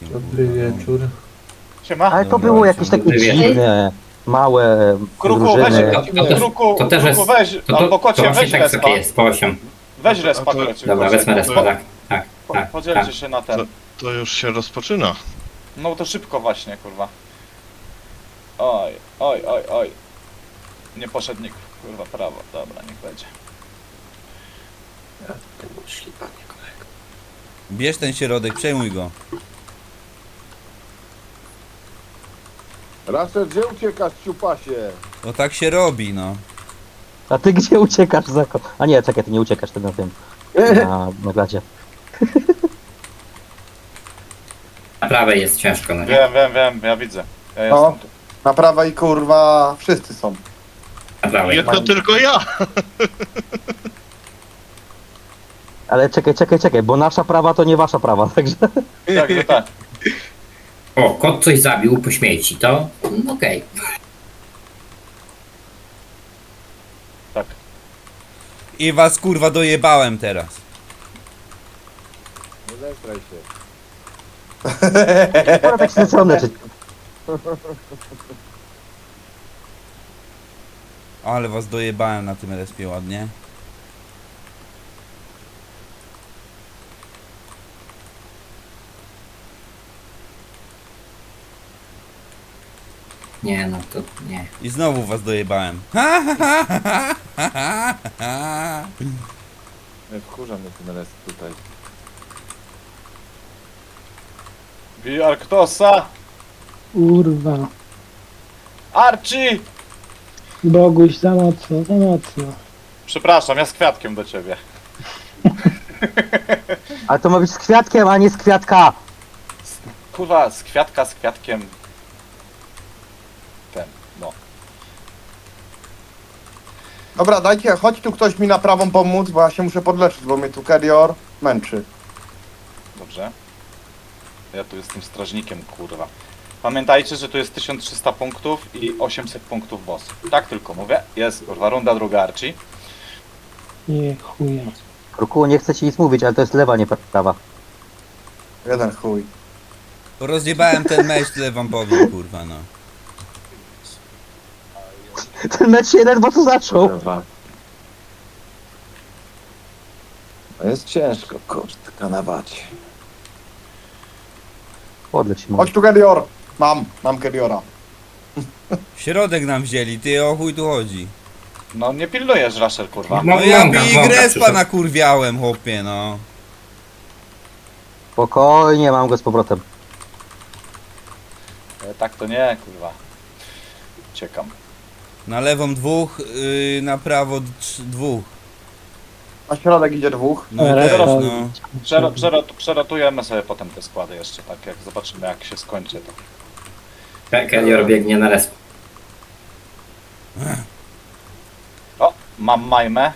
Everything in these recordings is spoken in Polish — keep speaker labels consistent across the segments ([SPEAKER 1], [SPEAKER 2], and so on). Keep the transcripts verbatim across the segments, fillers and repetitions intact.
[SPEAKER 1] Dobry wieczór.
[SPEAKER 2] Siema.
[SPEAKER 3] Ale to
[SPEAKER 4] Dobra,
[SPEAKER 3] było jakieś takie
[SPEAKER 4] dobry wieczór.
[SPEAKER 3] dziwne, małe
[SPEAKER 2] Kruku, weź,
[SPEAKER 3] drużyny.
[SPEAKER 4] To, to, też,
[SPEAKER 2] Kruku,
[SPEAKER 4] to też
[SPEAKER 2] Kruku,
[SPEAKER 4] jest...
[SPEAKER 2] weź,
[SPEAKER 4] To, to,
[SPEAKER 2] albo
[SPEAKER 4] to
[SPEAKER 2] kocie,
[SPEAKER 4] właśnie
[SPEAKER 2] weź
[SPEAKER 4] tak
[SPEAKER 2] respa.
[SPEAKER 4] sobie jest, po osiem.
[SPEAKER 2] Weź
[SPEAKER 5] A to-
[SPEAKER 2] respa,
[SPEAKER 5] a to-
[SPEAKER 2] kocie.
[SPEAKER 4] Dobra,
[SPEAKER 2] kocie.
[SPEAKER 4] wezmę respa, tak. Tak,
[SPEAKER 2] Po-
[SPEAKER 4] tak,
[SPEAKER 2] Podzielcie
[SPEAKER 4] tak.
[SPEAKER 2] się na
[SPEAKER 5] To,
[SPEAKER 2] ten.
[SPEAKER 5] to już się rozpoczyna.
[SPEAKER 2] No to szybko właśnie, kurwa. Oj, oj, oj, oj. Nie poszedł nikt, kurwa, prawo. Dobra, niech będzie.
[SPEAKER 1] Jak ty muszli, panie kolego.
[SPEAKER 6] Bierz ten środek, przejmuj go.
[SPEAKER 7] Raszel, gdzie uciekasz, ciupasie?
[SPEAKER 6] No tak się robi, no.
[SPEAKER 3] A ty gdzie uciekasz, Zako? A nie, czekaj, ty nie uciekasz, ty na tym, na, na glacie.
[SPEAKER 4] Na prawej jest ciężko, no nie?
[SPEAKER 2] Wiem, wiem, wiem, ja widzę. Ja
[SPEAKER 8] No.
[SPEAKER 2] jestem tu.
[SPEAKER 8] Na prawej kurwa wszyscy są.
[SPEAKER 4] Na prawej.
[SPEAKER 5] Nie to tylko ja.
[SPEAKER 3] Ale czekaj, czekaj, czekaj, bo nasza prawa to nie wasza prawa, także...
[SPEAKER 2] Tak, że tak.
[SPEAKER 4] O, kot coś zabił po śmieci, to mm, okej.
[SPEAKER 2] Tak.
[SPEAKER 6] I was kurwa dojebałem teraz.
[SPEAKER 7] Nie zestraj się.
[SPEAKER 3] Akurat tak się zaczęło leczyć.
[SPEAKER 6] Ale was dojebałem na tym respie ładnie.
[SPEAKER 4] Nie, no to nie.
[SPEAKER 6] I znowu was dojebałem. Ha, ha, ha, ha, ha, ha, ha.
[SPEAKER 7] Nie wkurza mnie ten rest tutaj.
[SPEAKER 2] Bij Arktosa!
[SPEAKER 9] Kurwa.
[SPEAKER 2] Archie!
[SPEAKER 9] Boguś, za mocno, za mocno.
[SPEAKER 2] Przepraszam, ja z kwiatkiem do ciebie.
[SPEAKER 3] Ale to ma być z kwiatkiem, a nie z kwiatka.
[SPEAKER 2] Kurwa, z kwiatka, z kwiatkiem. Ten, no.
[SPEAKER 8] Dobra, dajcie, chodź tu ktoś mi na prawą pomóc, bo ja się muszę podleczyć, bo mnie tu Kerior męczy.
[SPEAKER 2] Dobrze. Ja tu jestem strażnikiem, kurwa. Pamiętajcie, że tu jest tysiąc trzysta punktów i osiemset punktów boss. Tak tylko mówię. Jest, kurwa, runda druga Archie.
[SPEAKER 9] Nie, chuje.
[SPEAKER 3] Kruku, nie chcę ci nic mówić, ale to jest lewa, nie prawa.
[SPEAKER 8] Jeden chuj.
[SPEAKER 6] Rozjebałem ten mecz, tyle wam powiem, kurwa, no.
[SPEAKER 3] Ten mecz się ledwo co zaczął.
[SPEAKER 7] Kurwa. A jest ciężko, kurde, kanawać.
[SPEAKER 3] Podleć się
[SPEAKER 8] Chodź tu Kerior. Mam, mam Keriora.
[SPEAKER 6] Środek nam wzięli, ty o chuj tu chodzi.
[SPEAKER 2] No nie pilnujesz, Rasher, kurwa.
[SPEAKER 6] No ja
[SPEAKER 4] Mąka,
[SPEAKER 6] Big
[SPEAKER 4] mąka
[SPEAKER 6] Respa
[SPEAKER 4] przyszedł.
[SPEAKER 6] nakurwiałem, chłopie, no.
[SPEAKER 3] Spokojnie, mam go z powrotem.
[SPEAKER 2] E, tak to nie, kurwa. Ciekam.
[SPEAKER 6] Na lewą dwóch, yy, na prawo trz- dwóch.
[SPEAKER 8] Na środek idzie dwóch.
[SPEAKER 6] No i
[SPEAKER 9] Respa.
[SPEAKER 6] też, no.
[SPEAKER 2] Przero, przerot, przerotujemy sobie potem te składy jeszcze, tak jak zobaczymy jak się skończy to.
[SPEAKER 4] Ke- Kelior biegnie na resp.
[SPEAKER 2] O, mam majmę.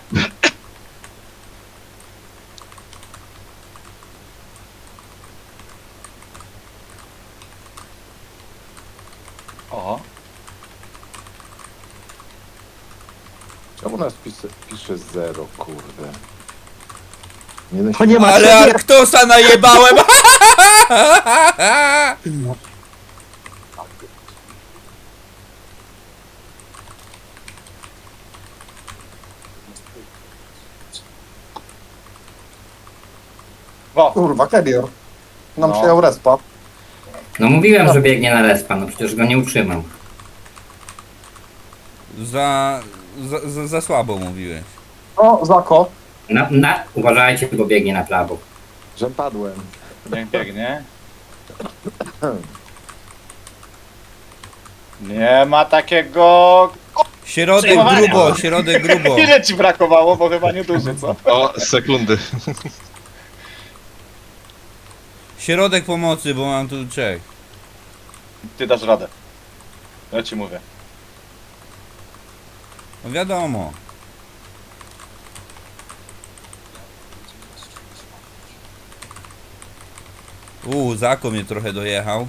[SPEAKER 2] O,
[SPEAKER 7] Czemu nas pisze, pisze zero, kurde? Nie
[SPEAKER 3] To nie ma
[SPEAKER 6] Ale
[SPEAKER 3] siebie.
[SPEAKER 6] Arktosa najebałem!
[SPEAKER 2] o,
[SPEAKER 8] Kurwa, Kerior. Nam
[SPEAKER 2] No.
[SPEAKER 8] przyjął respa.
[SPEAKER 4] No mówiłem, że biegnie na respa, no przecież go nie utrzymam.
[SPEAKER 6] Za, za, za, za słabo mówiłeś.
[SPEAKER 8] O, Zako.
[SPEAKER 4] Na, na, uważajcie, bo biegnie na prawo.
[SPEAKER 7] Że padłem.
[SPEAKER 2] niech biegnie. Nie ma takiego...
[SPEAKER 6] Środek
[SPEAKER 2] Przejmowania.
[SPEAKER 6] grubo, środek grubo.
[SPEAKER 2] Ile ci brakowało, bo chyba nie duży, co?
[SPEAKER 5] O, sekundy.
[SPEAKER 6] Środek pomocy, bo mam tu trzech.
[SPEAKER 2] Ty dasz radę. Ja ci mówię.
[SPEAKER 6] No wiadomo. Uuu, Zako mnie trochę dojechał.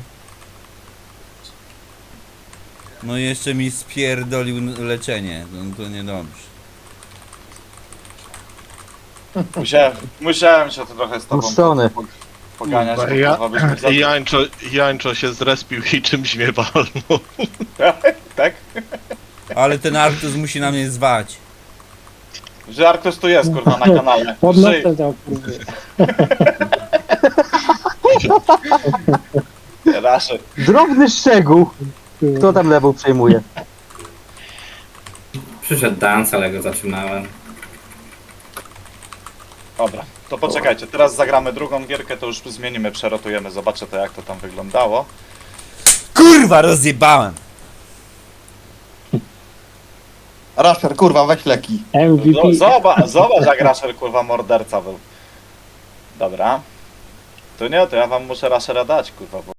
[SPEAKER 6] No i jeszcze mi spierdolił n- leczenie, no to niedobrze.
[SPEAKER 2] Musiałem, musiałem się to trochę z tobą
[SPEAKER 3] Puszczony.
[SPEAKER 2] po- poganiać, bo
[SPEAKER 5] Ja,
[SPEAKER 2] kurwa byśmy za...
[SPEAKER 5] Jańczo, Jańczo się zrespił i czymś mnie walnął.
[SPEAKER 2] Tak?
[SPEAKER 6] Ale ten Arctus musi na mnie zwać.
[SPEAKER 2] Że Arkus tu jest, kurwa, na kanale. Żyj.
[SPEAKER 9] Podnoszę to, kurwa.
[SPEAKER 2] Raszy.
[SPEAKER 3] Drobny szczegół. Kto tam lewą przejmuje?
[SPEAKER 4] Przyszedł Dance, ale go zatrzymałem.
[SPEAKER 2] Dobra, to poczekajcie, teraz zagramy drugą gierkę, to już zmienimy, przerotujemy, zobaczę to jak to tam wyglądało.
[SPEAKER 6] Kurwa, rozjebałem!
[SPEAKER 8] Rasher, kurwa, weź leki.
[SPEAKER 9] M V P.
[SPEAKER 2] No, zobacz, zobacz jak Rasher kurwa morderca był. Dobra. To nie, to ja wam muszę Rashera dać, kurwa, bo